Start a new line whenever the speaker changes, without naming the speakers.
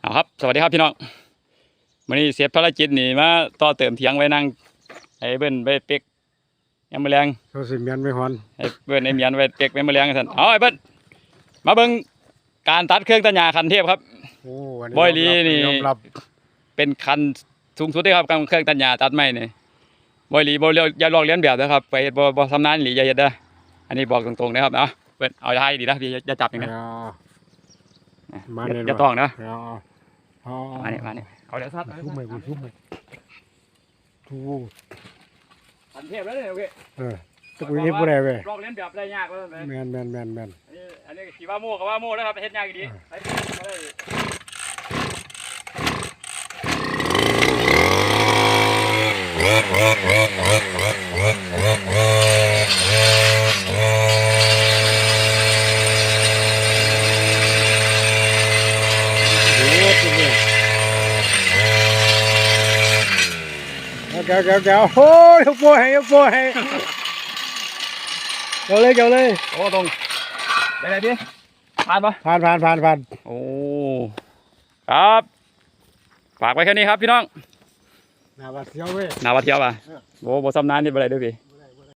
เอาครับสวัสดีครับพี่น้องวันนี้เสียภารกิจนี่มาต่อเติมเถียงไว้นั่งไอ้เบิ้นไปเป๊กยังมือแรง
เขาสิเมียนไม่ฮอน
ไอ้เบิ้นไอ้เมียนไว้เป๊กไว้มือแรงกันเอาไอ้เบิ้นมาเบิ้งการตัดเครื่องตัดหญ้าคันเทพครับ
โอ้
บอยลีนี่
ยอมรับ
เป็นคันสูงสุดเลยครับเครื่องตัดหญ้าตัดไม้นี่บอยลีบ่อย่าลอกเลียนแบบนะครับไปเฮ็ดบ่ชำนาญหรืออย่าเฮ็ดเด้ออันนี้บอกตรงๆนะครับเอาเบิ้นเอาให้ดีนะพี่อย่าจับอย่างนี้อย่าต้องนะมาเนี่ยเอาเดี๋ยวซัด
ทุบมือทุบ
คันเทพแล้วเนี่ยโอเค
ตะกุยนี่ผู้ใดเว้ย
ลอกเลียนแบบได้ยากเลย
แมน
อันนี้ขี่ว่าโม่กับว่าโม่นะครับเฮ็ดยากดีไป
แกวโอ้ยยกโป้ให้เจ้าเลย
โอ้ตรงไปไหนพี่ผ่านปะ
ผ่าน
โอ้ครับฝากไว้แค่นี้ครับพี่น้อง
นาวัดเที่ยวเว้ย
นาวัดเที่ยวป่ะโอ้บ่ซ้ำนานนี่ไปไหนด้วยพี่